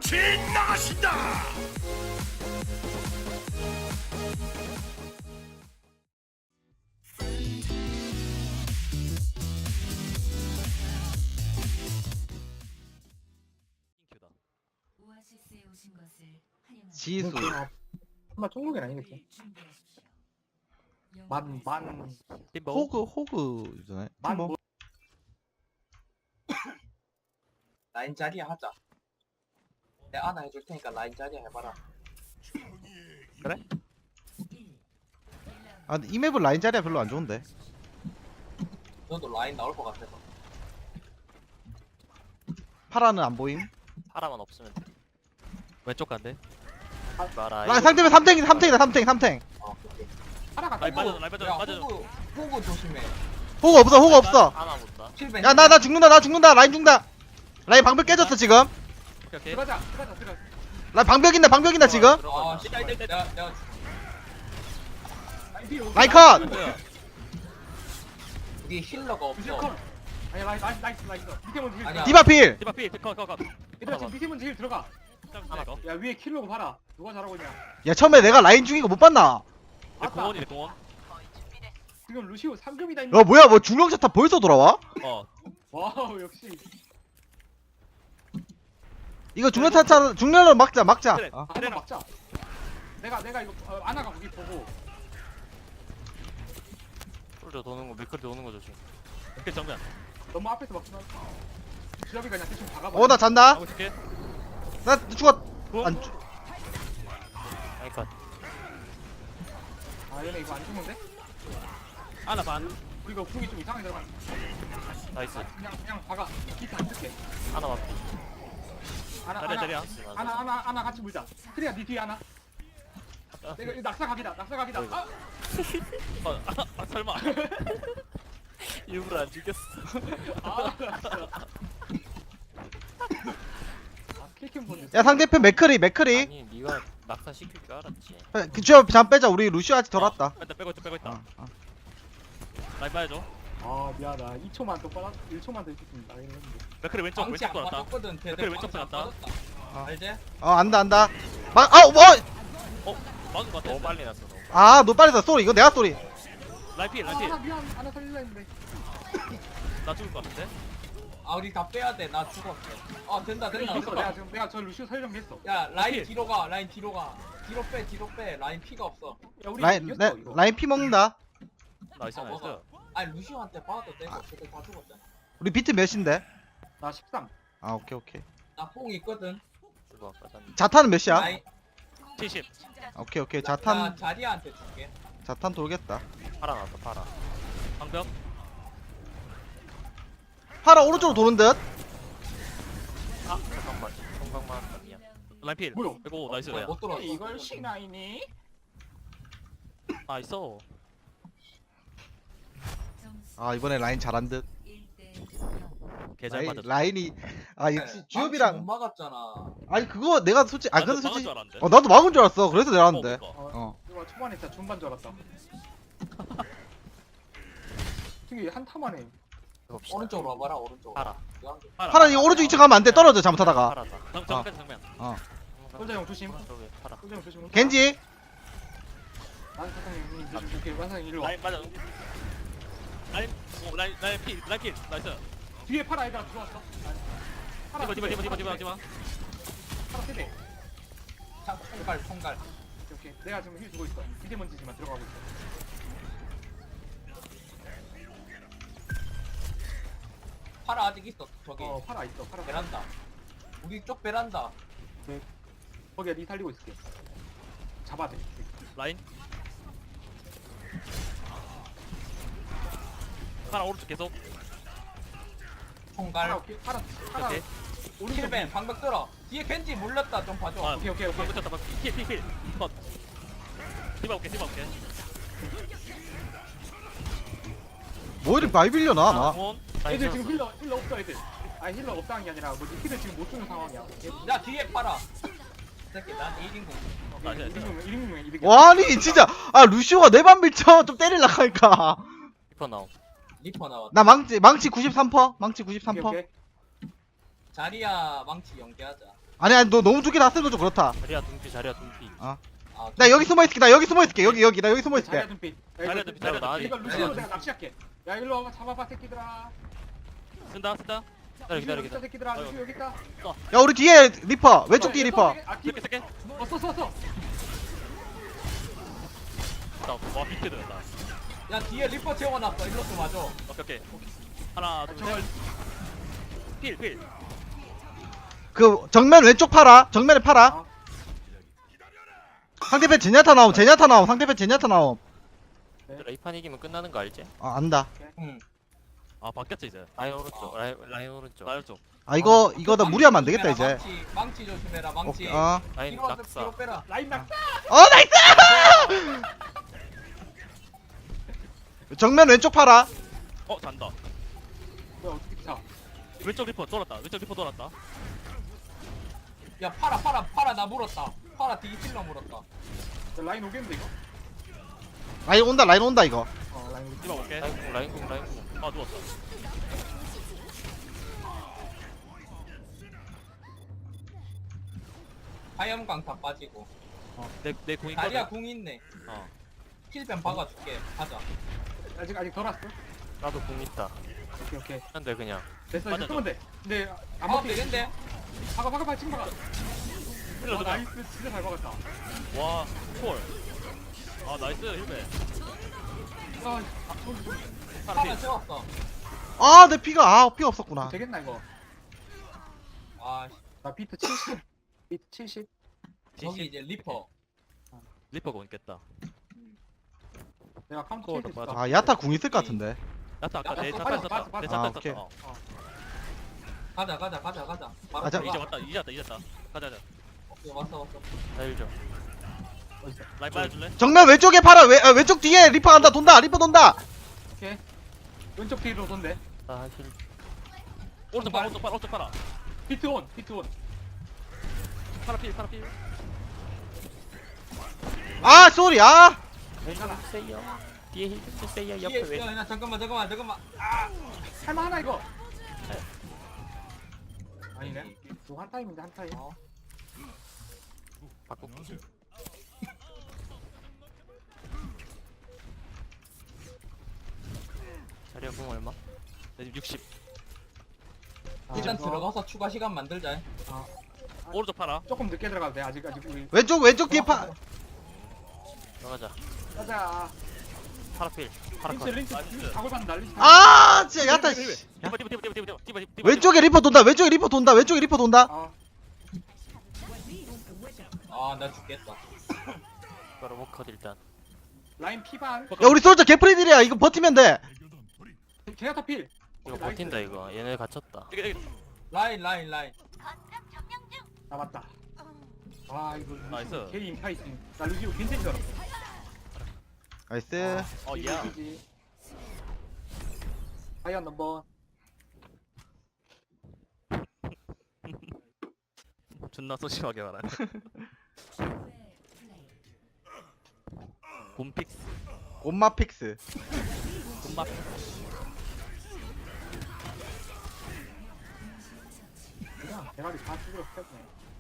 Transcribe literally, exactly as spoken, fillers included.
빛이 나신다. 오아시스에 오신 것을 환영합니다. 지수 정말 중국인 아니겠지? 만, 만, 호그 호그잖아요. 만 뭐 뭐... 라인 자리야 하자. 내가 하나 해줄 테니까 라인 자리야 해봐라. 아, 이 맵은 라인 자리가 별로 안 좋은데. 너도 라인 나올 것 같아서. 파라는 안 보임. 파라만 없으면 돼. 왼쪽 간대. 아, 마라. 라 상대면 삼탱이다 삼탱이다 삼탱 삼탱. 어, 오케이. 하나가 라인 빠져, 라인 빠져, 야, 빠져. 호구, 호구 조심해. 호그 없어 호그 없어. 하나 못다. 킬벤. 야 나 나 죽는다 나 죽는다 라인 죽는다. 라인 방벽 깨졌어 지금. 오케이 오케이. 들어가자, 들어가자, 들어가자. 라인 방벽 있나 방벽 있나 지금. 아, 들어가. 씨, 내가, 내가, 내가. 라인 뒤로. 라인 컷. 우리 힐러가 없어. 아니 라이 나이스 나이스 나이스 밑에 먼저 힐 아니야. 디바 필. 디바 피. 컷컷 컷. 얘들아 지금 밑에 먼저 힐 들어가 하나 더. 야 위에 킬로고 봐라 누가 잘하고 있냐 야 처음에 내가 라인 죽인 거 못 봤나? 내 공원이래 공원. 지금 루시오 삼 금이다 야 뭐야 뭐 중력자탄 벌써 돌아와? 어. 와우 역시 이거 중력자탄 중력으로 막자 막자. 그래. 어. 아, 한번 막자 내가 내가 이거 어, 아나가 거기 보고 솔저 도는 거 밀크리 도는 거 조심. 이렇게 정면. 너무 앞에서 막지 말고 주잡이 그냥 대충 박아봐 어 나 잔다. 하고 있을게. 나 죽었. 구. 안 죽. 아이 컷. 아 얘네 이거 안 죽는데? 하나 반. 우리가 궁이 좀 이상하게 들어가 나이스. 그냥 그냥 박아 기타 안 쓸게 하나 맞고. 아나 자리야 아나 자리야. 아나 아나 아나 같이 물자 트리야 니 뒤에 하나 내가 이거 낙사각이다 낙사각이다 어이구. 아! 어, 아, 아 설마. 일부러 안 죽였어. 아 진짜 아 킬캠 본데 야 상대편 맥크리 맥크리. 아니 네가 낙사 시킬 줄 알았지. 그저 잠 빼자 우리 루시오 아직 덜 왔다. 어, 일단 빼고 있다 빼고 있다. 어, 어. 라인 봐야죠. 아 미안하다 이 초만 더 빨아 일 초만 더 있겠습니다 이랬는데 맥크리 왼쪽 방치 왼쪽 안 돌았다. 빠졌거든. 걔들 댓글 왼쪽 방치 안 들어갔다. 빠졌다. 알지? 어 안다 안다. 막아 뭐. 어 맞은 거 같아. 너무 빨리 났어. 너무. 아너 빨리다 쏘리 이거 내가 쏘리. 라인 피 라인 아 피. 미안 하나 살릴라 했는데 나 죽을 것 같은데. 아, 우리 다 빼야 돼. 나 죽었어. 아, 된다, 된다. 됐어 내가 지금 내가 저 루시오 설정했어 야, 라인 오케이. 뒤로 가. 라인 뒤로 가. 뒤로 빼, 뒤로 빼. 라인 피가 없어. 야 우리 라인 이겼어 내, 이거 라인 피 먹는다. 나이스 아, 나이스. 먹어. 아니, 루시오한테 봐도 되고. 걔들 다 죽었잖아. 우리 비트 몇인데? 나 십삼 아 오케이 오케이. 나 뽕 있거든. 죽어 아까 자탄은 몇이야? 라인, 칠십. 오케이 오케이 나 자탄 자리아한테 줄게. 자탄 돌겠다. 파라 나왔다 파라. 방벽. 파라 오른쪽으로 도는 듯. 아 잠깐만. 성광만 미안. 라인 필. 뭐야? 이거 나이스. 뭐야, 못 들어왔어. 이걸 시나이니? 아 있어. 아 이번에 라인 잘한 듯. 개잘 라인, 맞았어. 라인이 아 네, 역시 못 주엽이랑 막았잖아. 아니 그거 내가 솔직히 아 근데 막은 솔직히 줄 알았는데. 어 나도 막은 줄 알았어. 그래서 내가 하는데. 어, 어, 어. 이거 초반에 진짜 중반 줄 알았다 되게 한타만에 봅시다. 오른쪽으로 와봐라, 오른쪽으로. 파라. 이거 한 개. 파라. 파라 이거 오른쪽 이 층 가면 안 돼. 떨어져 잘못하다가. 파라다. 정 정면 정면. 어. 솔자 형 조심 저기 파라. 솔자 형 조심 겐지 난 사장님 조심 이렇게 완상이 일로 와 라인 맞아. 라인 어 라인 라인 필 라인 필 나이스. 뒤에 파라 애들 들어왔어 파라 디바 디바 디바 디바 디바 디바. 파라 세대 자, 총갈, 총갈. 오케이 오케이. 내가 지금 힐 주고 있어 미대 먼지지만 들어가고 있어 파라 아직 있어, 저기. 어 파라 있어 파라 베란다. 우리 쪽 베란다. 거기야 니 살리고 있을게 잡아야 돼 라인. 파라 오른쪽 계속. 총갈. 파라 오케이 파라 파라 오케이. 오른쪽 킬벤, 방벽 들어. 뒤에 겐지 물렸다, 좀 봐줘. 아, 오케이 오케이 오케이 붙였다. 필, 필, 필. 컷. 디바 올게, 디바 올게. 뭐 이렇게 많이 빌려나 나. 공원. 애들 지금 힐러 힐러 없어 애들 아니 힐러 없다는 게 아니라 뭐지 힐을 지금 못 주는 상황이야 야, 뒤에 파라. 새끼, 난 일 인공. 나이스, 나이스. 일 인용 일 인용 이득 와 아니 진짜 아 루시오가 내 반 밀쳐 좀 때릴라 하니까. 리퍼 나옴. 리퍼 나왔다. 나 망치 망치 구십삼 퍼센트 망치 구십삼 오케이 퍼센트. 오케이 자리야 망치 연계하자. 아니 아니 너 너무 두개 다 쓰는 거 좀 그렇다. 자리야 둥피 자리야 둥피. 아, 나 여기 숨어 있을게. 나 여기 숨어 있을게. 여기 여기 나 여기 숨어 자리야 있을게. 눈빛. 자리야 눈빛, 자리야 눈빛. 이거 루시오 내가 낚시할게. 야 일로 와봐 잡아봐 새끼들아. 쓴다 쓴다. 기다려 기다려 루시오 기다려. 새끼들아. 아이고. 루시오 여기 있다. 야 우리 뒤에 리퍼. 왼쪽 뒤에 리퍼. 아 뒤. 쓸게 쓸게. 어써 써 써. 나와 비트 들었다. 야 뒤에 리퍼 채워놨어. 일로 좀 와줘. 오케이 오케이. 하나 둘 셋. 필 필. 그 정면 왼쪽 팔아. 정면에 팔아. 아. 상대편 제냐타 나옴. 제냐타 나옴. 상대편 제냐타 나옴. 얘들아 이판 이기면 끝나는 거 알지? 아 안다. 응. 아 바뀌었지 이제. 어. 라인 오른쪽 라인 라인 오른쪽. 라인 오른쪽. 아 이거 이거 나 무리하면 안 되겠다 이제. 망치, 망치 조심해라. 망치. 오케이. 어. 라인 뒤로 와서 낙사. 뒤로 빼라. 라인 낙. 어 나이스. 정면 왼쪽 팔아. 어 잔다. 뭐야 어떻게 차? 왼쪽 리퍼 돌았다. 왼쪽 리퍼 돌았다. 야 팔아 팔아 팔아 나 물었다. 팔아 뒤 찔러 물었다. 야, 라인 오겠는데 이거? 라인 온다. 라인 온다 이거. 어 라인 오겠. 이봐 볼게. 라인 공 라인 공 라인 공. 아 누웠어. 하염강 다 빠지고. 어내내 공이 다리야 궁 있네. 어. 힐뱀 박아줄게. 가자. 아직 아직 덜 왔어. 나도 공 있다. 오케이 오케이. 근데 그냥. 됐어 맞아, 이제 끄면 돼. 근데 안 아 먹히게. 되겠는데? 박아 박아 박아 지금 박아. 힐러 와, 주자. 나이스 진짜 잘 박았다. 와 콜. 아 나이스 힐베. 아 하나 팔아 필. 채웠어. 아 내 피가 아 피가 없었구나. 되겠나 이거? 아 나 비트 칠십. 비트 칠십. 저기 이제 리퍼. 리퍼 공 있겠다. 내가 카운터 그거 칠수 맞아. 있어. 아 야타 궁 있을 것 같은데. 야타 아까 야타 내 빠져, 차탄 빠져, 썼다. 내 빠져. 아, 차탄 오케이. 썼다. 어. 가자 가자 가자 가자. 바로 아, 자, 들어가. 이제 왔다 이제 왔다 이제 왔다. 가자 가자. 오케이 왔어 왔어. 나일 좀. 어딨어? 라인 빨아줄래? 정면 왼쪽에 팔아. 왼 아, 왼쪽 뒤에 리퍼 간다. 돈다. 리퍼 돈다. 오케이. 왼쪽 뒤로 돈대. 아 힐. 오른쪽 팔 오른쪽 팔 오른쪽 팔아. 비트 온. 비트 온. 파라 필 파라 필. 아 쏘리. 아. 괜찮아. 주세요. 뒤에 힐 주세요. 뒤에 옆에 왜? 야, 야, 잠깐만 잠깐만 잠깐만. 할만하나 이거? 아니네. 이거 한 타임인데 한 타임. 어. 바꿀게. 자리야 공 얼마? 내 지금 육십. 아, 일단 이거 들어가서 추가 시간 만들자. 오른쪽 팔아. 조금 늦게 들어가도 돼. 아직 아직 우리. 왼쪽 왼쪽 뒤에 파. 들어가자. 가자. 파라 필. 파라 린치 컷. 린치 나이스. 작을 받는다 린치. 아 진짜 야타. 씨. 디바 디바 디바 디바 디바 디바 디바. 왼쪽에 리퍼 돈다. 왼쪽에 리퍼 돈다. 왼쪽에 리퍼 돈다. 어. 아나 죽겠다. 바로 워컷 일단. 라인 피반. 야 우리 솔저 개프리들이야. 이거 버티면 돼. 제나타 필. 이거 버틴다 이거. 얘네 갇혔다. 라인 라인 라인. 아 맞다. 아 이거 나이스. 괜히 인파 있음. 나 루시오 괜찮은 줄 알았어. 나이스. 어 이거 야. 이기지. 하이언 넘버. 존나 소심하게 말하네. 곰픽스. 곰마 픽스. 곰맛. 그냥 대가리 다 죽으러 펴네.